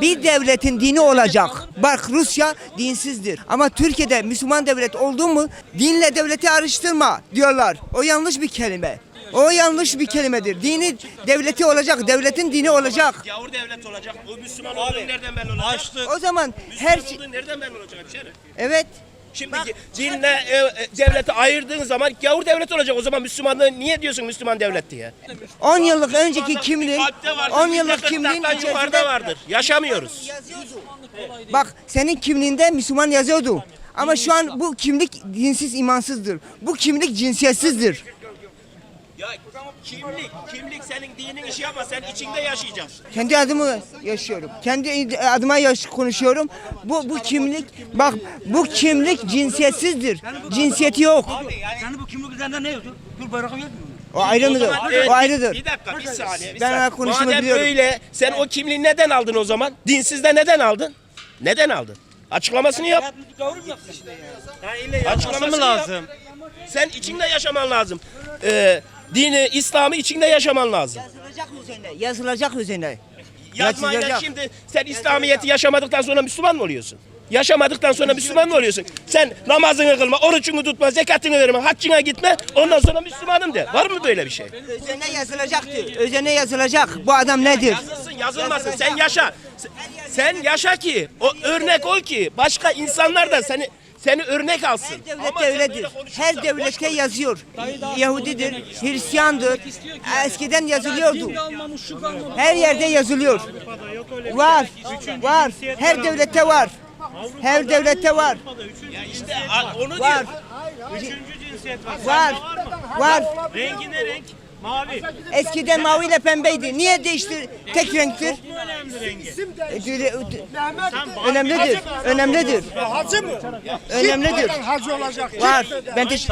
bir devletin dini olacak. Bak Rusya dinsizdir. Ama Türkiye'de Müslüman devlet oldu mu dinle devleti araştırma diyorlar. O yanlış bir kelime. O yanlış bir kelimedir. Dini devleti olacak, devletin dini olacak. Gavur devlet olacak. O Müslüman olduğunu nereden belli olacak? O zaman Müslüman her olduğunu nereden belli olacak hemşerim? evet. Şimdi dinle devleti ayırdığın zaman gavur devlet olacak. O zaman Müslümanlığı niye diyorsun Müslüman devlet diye? 10 yıllık önceki kimliğin Kalpte vardır, 10 yıllık millete kimliğin yukarıda içerisinde vardır. Yaşamıyoruz. bak senin kimliğinde Müslüman yazıyordu. Ama şu an bu kimlik dinsiz imansızdır. Bu kimlik cinsiyetsizdir. Ya kimlik senin dinin işi ama sen içinde yaşayacaksın. Kendi adımı yaşıyorum. Kendi adıma konuşuyorum. Bu kimlik bak bu kimlik cinsiyetsizdir. Cinsiyeti yok. Yani bu kimlik üzerinde ne yazıyor? Türk bayrağı yok mu? O ayrıdır. Evet, O ayrıdır. Bir dakika, bir saniye. Ben konuşmayı Madem biliyorum. öyle, sen o kimliği neden aldın o zaman? Dinsizde neden aldın? Neden aldın? Açıklamasını yap. Açıklamasını lazım? Sen içinde yaşaman lazım. Dini, İslam'ı içinde yaşaman lazım. Yazılacak üzerine. Yazılacak üzerine. Yazmayla Yazılacak. şimdi sen İslamiyet'i yaşamadıktan sonra Müslüman mı oluyorsun? Yaşamadıktan sonra Müslüman mı oluyorsun? Sen namazını kılma, orucunu tutma, zekatını verme, haccına gitme, ondan sonra Müslümanım de. Var mı böyle bir şey? Üzerine yazılacaktır. Üzerine yazılacak. Bu adam nedir? Yazılsın, yazılmasın. Sen yaşa. Sen yaşa ki, o örnek ol ki başka insanlar da seni örnek alsın. Her devlet Ama sen devlettir. böyle konuşursan Her boş devlette konuş. yazıyor. Yahudidir, Hristiyandır. Eskiden yazılıyordu. Her yerde yazılıyor. Var. Var. Her devlette var. Her devlette var. İşte onu Var. diyor. Üçüncü cinsiyet var. Var. Var. Rengi ne renk? Mavi. Eskiden maviyle pembeydi. Niye değişti? Tek renktir. Çok mu önemli rengi? Önemlidir. Önemlidir. Hacı mı? Önemlidir. Hacı olacak. Var. Ben de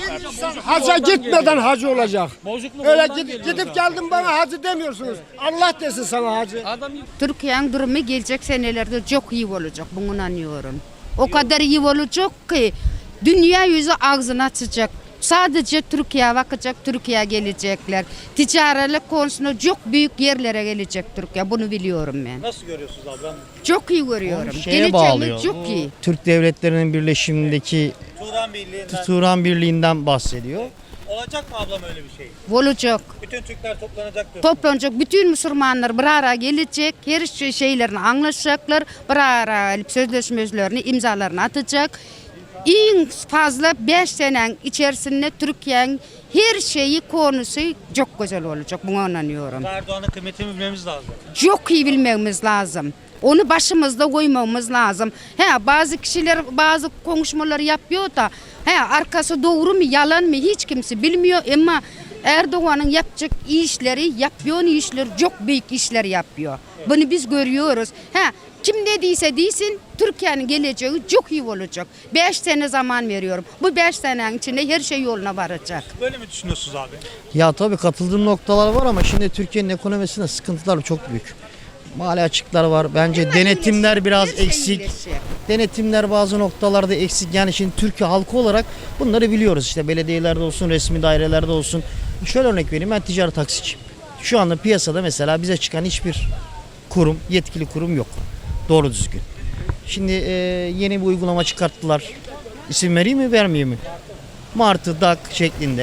Hacca gitmeden hacı olacak. Öyle gidip geldim bana hacı demiyorsunuz. Allah desin sana hacı. Türkiye'nin durumu gelecek senelerde çok iyi olacak, bunu inanıyorum. O kadar iyi olacak ki dünya yüzü ağzını açacak. Sadece Türkiye bakacak, Türkiye gelecekler. Ticaretlik konusunda çok büyük yerlere gelecek Türkiye, bunu biliyorum ben. Nasıl görüyorsunuz ablam? Çok iyi görüyorum. Şeye bağlıyor. Geleceğimiz çok iyi. Türk devletlerinin birleşimindeki Turan Birliği'nden Turan Birliği'nden bahsediyor. olacak mı ablam öyle bir şey? Olacak. Bütün Türkler toplanacak diyor. Toplanacak, bütün Müslümanlar bir araya gelecek, her şeylerini anlaşacaklar, bir araya gelip sözleşmelerini, imzalarını atacak. En fazla 5 senenin içerisinde Türkiye'nin her şeyi konusu çok güzel olacak, buna inanıyorum. Erdoğan'ın kıymetini bilmemiz lazım. Çok iyi bilmemiz lazım. Onu başımızda koymamız lazım. Bazı kişiler bazı konuşmaları yapıyor da arkası doğru mu yalan mı hiç kimse bilmiyor ama Erdoğan'ın yapacak yapıyor işler çok büyük işler yapıyor. Bunu biz görüyoruz. Kim dediyse desin Türkiye'nin geleceği çok iyi olacak. 5 sene zaman veriyorum. Bu 5 senenin içinde her şey yoluna varacak. Böyle mi düşünüyorsunuz abi? Ya tabii katıldığım noktalar var ama şimdi Türkiye'nin ekonomisinde sıkıntılar çok büyük. Mali açıklar var. Bence denetimler biraz eksik. Denetimler bazı noktalarda eksik. Yani şimdi Türkiye halkı olarak bunları biliyoruz. İşte belediyelerde olsun, resmi dairelerde olsun. Şöyle örnek vereyim, ben ticari taksiciyim. Şu anda piyasada mesela bize çıkan hiçbir kurum, yetkili kurum yok. Doğru düzgün. Şimdi yeni bir uygulama çıkarttılar. İsim vereyim mi vermeyeyim mi? Martı, DAK şeklinde.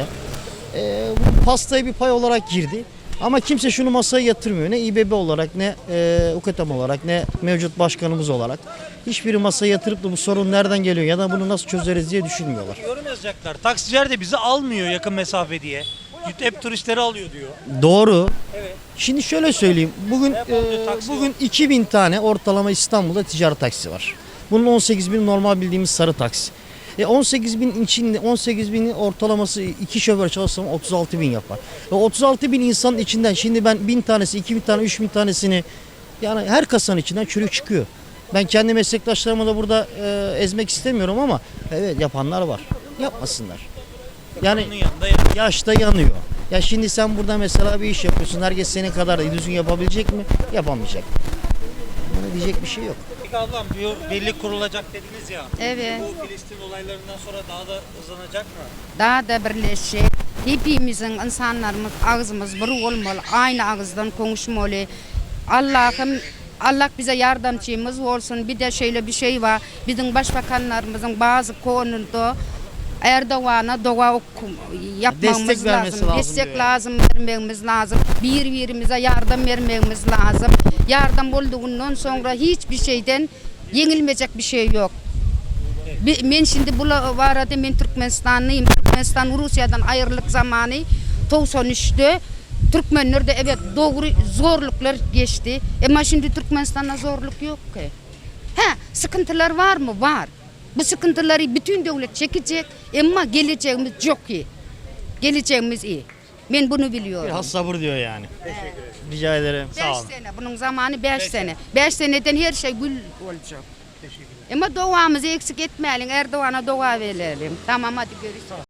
Bu pastaya bir pay olarak girdi. Ama kimse şunu masaya yatırmıyor. Ne İBB olarak, ne UKTAM olarak, ne mevcut başkanımız olarak. Hiçbiri masaya yatırıp da bu sorun nereden geliyor ya da bunu nasıl çözeriz diye düşünmüyorlar. Yorum yazacaklar. Taksiciler de bizi almıyor yakın mesafe diye. Hep turistleri alıyor diyor. Doğru. Evet. Şimdi şöyle söyleyeyim. Bugün 2000 tane ortalama İstanbul'da ticari taksi var. Bunun 18 bin normal bildiğimiz sarı taksi. 18 bin içinde 18 binin ortalaması 2 şoför çalışsam 36 bin yapar. 36 bin insanın içinden şimdi ben 1000 tanesi, 2000 tane, 3000 tanesini yani her kasanın içinden çürük çıkıyor. Ben kendi meslektaşlarımı da burada ezmek istemiyorum ama evet yapanlar var. Yapmasınlar. Yani Onun yanında yani. yaşta yanıyor. Ya şimdi sen burada mesela bir iş yapıyorsun. Herkes senin kadar düzgün yapabilecek mi? Yapamayacak. Buna diyecek bir şey yok. Peki ablam diyor birlik kurulacak dediniz ya. Evet. Bu Filistin olaylarından sonra daha da hızlanacak mı? Daha da birleşecek. Hepimizin insanlarımız ağzımız bir olmalı. Aynı ağızdan konuşmalı. Allah'ım Allah bize yardımcımız olsun. Bir de şöyle bir şey var. Bizim başbakanlarımızın bazı konuda Erdoğan'a dua yapmamız Destek vermesi lazım. lazım Destek diyor. lazım, vermemiz lazım. Birbirimize yardım vermemiz lazım. Yardım olduğundan sonra hiçbir şeyden yenilmeyecek bir şey yok. Ben şimdi bu arada ben Türkmenistanlıyım. Türkmenistan Rusya'dan ayrılık zamanı 93'te Türkmenler de evet doğru zorluklar geçti. Ama şimdi Türkmenistan'da zorluk yok ki. Sıkıntılar var mı? Var. Bu sıkıntıları bütün devlet çekecek ama geleceğimiz çok iyi. Geleceğimiz iyi. Ben bunu biliyorum. Biraz sabır diyor yani. Rica ederim. 5 Sağ olun. sene. Bunun zamanı 5 sene. 5 seneden her şey gül olacak. Ama duamızı eksik etmeyelim. Erdoğan'a dua verelim. Tamam hadi görüşürüz.